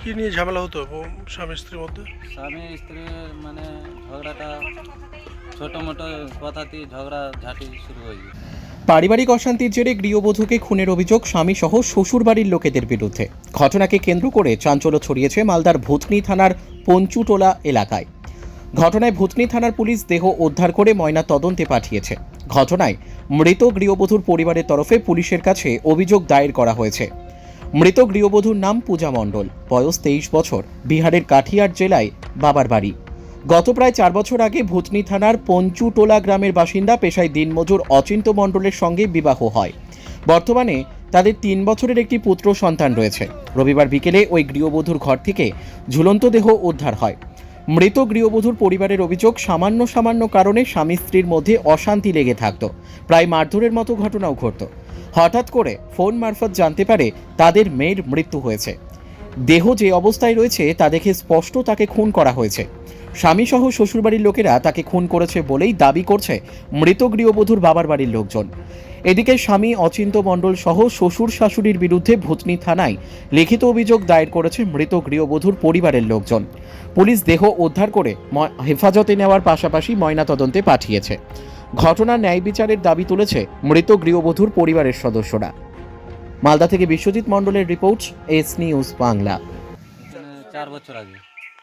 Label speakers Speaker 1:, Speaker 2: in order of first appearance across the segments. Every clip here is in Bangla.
Speaker 1: কি নিয়ে ঝামেলা হতো স্বামী স্ত্রীর মধ্যে?
Speaker 2: স্বামী স্ত্রীর মানে ঝগড়াটা ছোটো মোটো কথাতেই ঝগড়া ঝাঁটি শুরু হয়ে গেছে।
Speaker 3: পারিবারিক অশান্তির জেরে গৃহবধূকে খুনের অভিযোগ স্বামী সহ শ্বশুরবাড়ির লোকেদের বিরুদ্ধে। ঘটনাকে কেন্দ্র করে চাঞ্চল্য ছড়িয়েছে মালদার ভূতনি থানার পঞ্চুটোলা এলাকায়। ঘটনায় ভূতনি থানার পুলিশ দেহ উদ্ধার করে ময়না তদন্তে পাঠিয়েছে। ঘটনায় মৃত গৃহবধূর পরিবারের তরফে পুলিশের কাছে অভিযোগ দায়ের করা হয়েছে। মৃত গৃহবধূর নাম পূজা মণ্ডল, বয়স 23 বছর, বিহারের কাঠিয়ার জেলায় বাবার বাড়ি। গত প্রায় 4 বছর আগে ভূতনি থানার পঞ্চুটোলা গ্রামের বাসিন্দা পেশায় দিনমজুর অচিন্ত মণ্ডলের সঙ্গে বিবাহ হয়। বর্তমানে তাদের 3 বছরের একটি পুত্র সন্তান রয়েছে। রবিবার বিকেলে ওই গৃহবধূর ঘর থেকে ঝুলন্ত দেহ উদ্ধার হয়। মৃত গৃহবধূর পরিবারের অভিযোগ, সামান্য কারণে স্বামী স্ত্রীর মধ্যে অশান্তি লেগে থাকত, প্রায় মারধরের মতো ঘটনাও ঘটত। হঠাৎ করে ফোন মারফত জানতে পারে তাদের মেয়ের মৃত্যু হয়েছে। দেহ যে অবস্থায় রয়েছে তা দেখে স্পষ্ট তাকে খুন করা হয়েছে। স্বামী সহ শ্বশুরবাড়ির লোকেরা তাকে খুন করেছে বলেই দাবি করছে মৃত গৃহবধূর বাবার বাড়ির লোকজন। এদিকে স্বামী অচিন্ত মণ্ডল সহ শ্বশুর শাশুড়ির বিরুদ্ধে ভূতনি থানায় লিখিত অভিযোগ দায়ের করেছে মৃত গৃহবধূর পরিবারের লোকজন। পুলিশ দেহ উদ্ধার করে হেফাজতে নেওয়ার পাশাপাশি ময়নাতদন্তে পাঠিয়েছে। ঘটনার ন্যায় বিচারের দাবি তুলেছে মৃত গৃহবধূর পরিবারের সদস্যরা। মালদা থেকে বিশ্বজিৎ মণ্ডলের রিপোর্ট, এস নিউজ বাংলা।
Speaker 2: 4 বছর আগে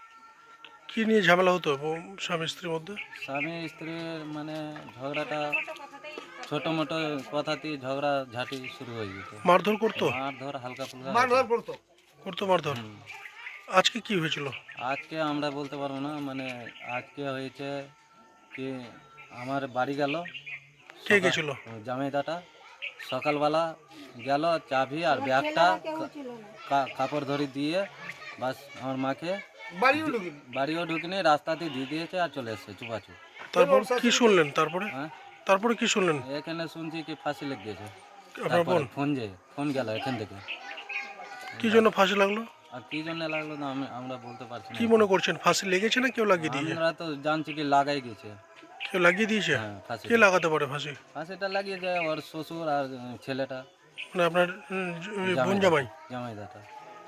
Speaker 1: কি নিয়ে ঝামেলা হতো স্বামী স্ত্রীর মধ্যে?
Speaker 2: স্বামী স্ত্রীর মানে ঝগড়াটা ছোটো মোটো কথাতেই ঝগড়া ঝাঁটি শুরু হয়ে গেছে।
Speaker 1: মারধর করতো?
Speaker 2: মারধর হালকা ফুলকা
Speaker 1: করতো মারধর?
Speaker 2: হুম।
Speaker 1: আজকে কি হয়েছিল?
Speaker 2: আজকে আমরা বলতে পারবো না, মানে আজকে হয়েছে কি, আমার বাড়ি গেল
Speaker 1: কে গেছিল?
Speaker 2: জামাইদাটা সকালবেলা গেল, চাবি আর ব্যাগটা কাপড় ধরে দিয়ে বাস আমার মাকে বাড়িও ঢুকিনি, রাস্তাতে দিয়ে দিয়েছে আর চলে এসছে চুপাচুপ।
Speaker 1: তারপর কি শুনলেন?
Speaker 2: হ্যাঁ,
Speaker 1: তারপরে কি শুনলেন?
Speaker 2: এখানে শুনছি কি ফাঁসি লেগে গেছে।
Speaker 1: আপনার বোন?
Speaker 2: ফোন গেল এখান থেকে।
Speaker 1: কি জন্য ফাঁসি লাগলো?
Speaker 2: আর কি জন্য লাগলো না আমরা বলতে পারছি না।
Speaker 1: কি মনে করছেন, ফাঁসি লেগেছে না কেউ লাগিয়ে দিয়েছে?
Speaker 2: আমরা তো জানছি কি লাগাই গেছে।
Speaker 1: কেউ লাগিয়ে দিয়েছে?
Speaker 2: হ্যাঁ, ফাঁসি।
Speaker 1: কে লাগাতে পারে ফাঁসি?
Speaker 2: ফাঁসিটা লাগিয়ে যায় ওর শ্বশুর আর ছেলেটা,
Speaker 1: মানে আপনার বোন জামাই?
Speaker 2: জামাইদাটা।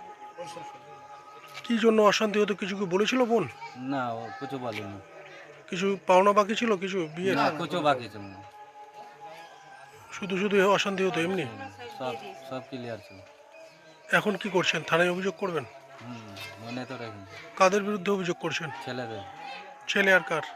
Speaker 1: কি জন্য অশান্তি হতো কিছু কি বলেছিল বোন?
Speaker 2: না, ও কিছু বলেনি।
Speaker 1: কিছু পাওনা বাকি ছিল, কিছু বিয়ে?
Speaker 2: না, কিছু বাকি ছিল না।
Speaker 1: শুধু অশান্তি হতো এমনি?
Speaker 2: সব সব ক্লিয়ার ছিল।
Speaker 1: এখন কি করছেন? থানায় অভিযোগ করবেন?
Speaker 2: মনে তো রাখি।
Speaker 1: কাদের বিরুদ্ধে অভিযোগ করছেন?
Speaker 2: ছেলেদের,
Speaker 1: ছেলে আর কার?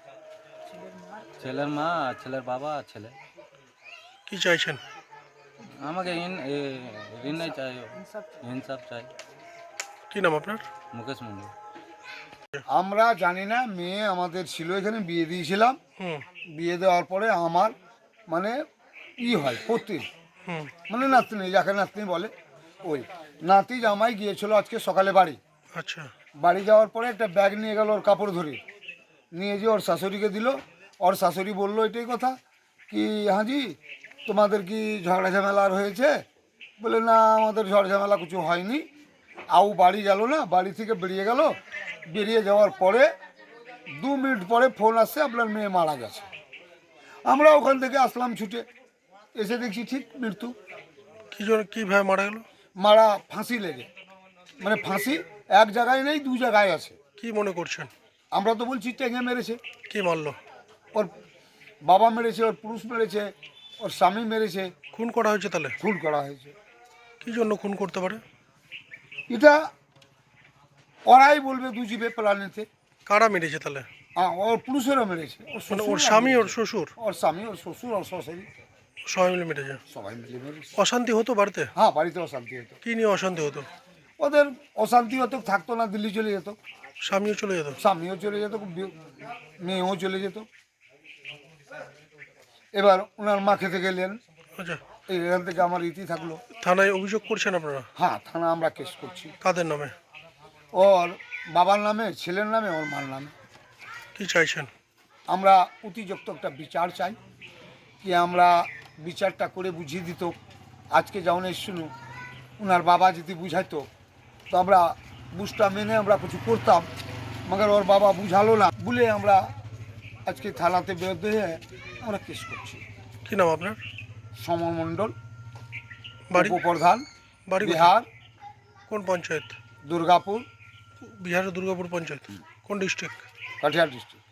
Speaker 2: ছেলের মা আর ছেলের বাবা আর ছেলে।
Speaker 1: কি চাইছেন?
Speaker 2: আমাকে ঋণ নাই চাই, ইনসাফ চাই।
Speaker 1: কি নাম আপনার?
Speaker 2: মুকেশ মন্ডল।
Speaker 4: আমরা জানি না, মেয়ে আমাদের ছিল, এখানে বিয়ে দিয়েছিলাম।
Speaker 1: হুম
Speaker 4: বিয়ে দেওয়ার পরে আমার মানে হয় পত্রী,
Speaker 1: হুম
Speaker 4: মানে নাতনি, যাকে নাতনি বলে, ওই নাতি জামাই গিয়েছিল আজকে সকালে বাড়ি।
Speaker 1: আচ্ছা।
Speaker 4: বাড়ি যাওয়ার পরে একটা ব্যাগ নিয়ে গেল, ওর কাপড় ধরে নিয়ে যে ওর শাশুড়িকে দিল। ওর শাশুড়ি বললো এটাই কথা কি, হাজি তোমাদের কি ঝগড়া ঝামেলা আর হয়েছে? বলে না, আমাদের ঝড় ঝামেলা কিছু হয়নি। আউ বাড়ি গেল না, বাড়ি থেকে বেরিয়ে গেল। বেরিয়ে যাওয়ার পরে 2 মিনিট পরে ফোন আসছে, আপনার মেয়ে মারা গেছে। আমরা ওখান থেকে আসলাম ছুটে, এসে দেখছি ঠিক মৃত্যু।
Speaker 1: কি জন্য, কিভাবে মারা গেল?
Speaker 4: মারা ফাঁসি লেগে, মানে ফাঁসি এক জায়গায় নেই, 2 জায়গায় আছে।
Speaker 1: কি মনে করছেন?
Speaker 4: আমরা তো বলছি টেঙে মেরেছে।
Speaker 1: কি মারলো?
Speaker 4: ওর বাবা মেরেছে, ওর পুরুষ মেরেছে, ওর স্বামী মেরেছে।
Speaker 1: খুন করা হয়েছে তাহলে?
Speaker 4: খুন করা হয়েছে।
Speaker 1: কি জন্য খুন করতে পারে?
Speaker 4: এটা ওরাই বলবে, দুজিবে প্ল্যানেতে।
Speaker 1: কারা মেরেছে তাহলে?
Speaker 4: ওর পুরুষেরও মেরেছে,
Speaker 1: মানে ওর স্বামী, ওর শ্বশুর?
Speaker 4: ওর স্বামী, ওর শ্বশুর, ওর শাশুড়ি,
Speaker 1: সবাই মিলে মেরেছে?
Speaker 4: সবাই মিলে মেরেছে।
Speaker 1: অশান্তি হতো বাড়িতে?
Speaker 4: হ্যাঁ, বাড়িতে অশান্তি হতো।
Speaker 1: কি নিয়ে অশান্তি হতো?
Speaker 4: ওদের অশান্তি হতো, থাকতো না, দিল্লি চলে যেত।
Speaker 1: স্বামীও চলে যেত?
Speaker 4: স্বামীও চলে যেত, মেয়েও চলে যেত। এবার ওনার মা খেতে গেলেন,
Speaker 1: আচ্ছা।
Speaker 4: এখান থেকে আমার ইতি থাকলো।
Speaker 1: থানায় অভিযোগ করছেন আপনারা?
Speaker 4: হ্যাঁ, থানা আমরা কেস করছি।
Speaker 1: কাদের নামে?
Speaker 4: ওর বাবার নামে, ছেলের নামে, ওর মার নামে।
Speaker 1: কি চাইছেন?
Speaker 4: আমরা অতিযুক্ত একটা বিচার চাই, কি আমরা বিচারটা করে বুঝিয়ে দিত। আজকে যেমন শুনু, ওনার বাবা যদি বুঝাইতো তো আমরা বুঝটা মেনে আমরা কিছু করতাম, মগর ওর বাবা বুঝালো না বলে আমরা আজকে থানাতে বিরুদ্ধে হয়ে আমরা কেস করছি।
Speaker 1: কি নাম আপনার?
Speaker 4: সমর মণ্ডল,
Speaker 1: বাড়ি?
Speaker 4: উপপ্রধান,
Speaker 1: বাড়ি কোথায়?
Speaker 4: বিহার।
Speaker 1: কোন পঞ্চায়েত?
Speaker 4: দুর্গাপুর,
Speaker 1: বিহারের দুর্গাপুর পঞ্চায়েত কোন ডিস্ট্রিক্ট?
Speaker 4: কাটিহার ডিস্ট্রিক্ট।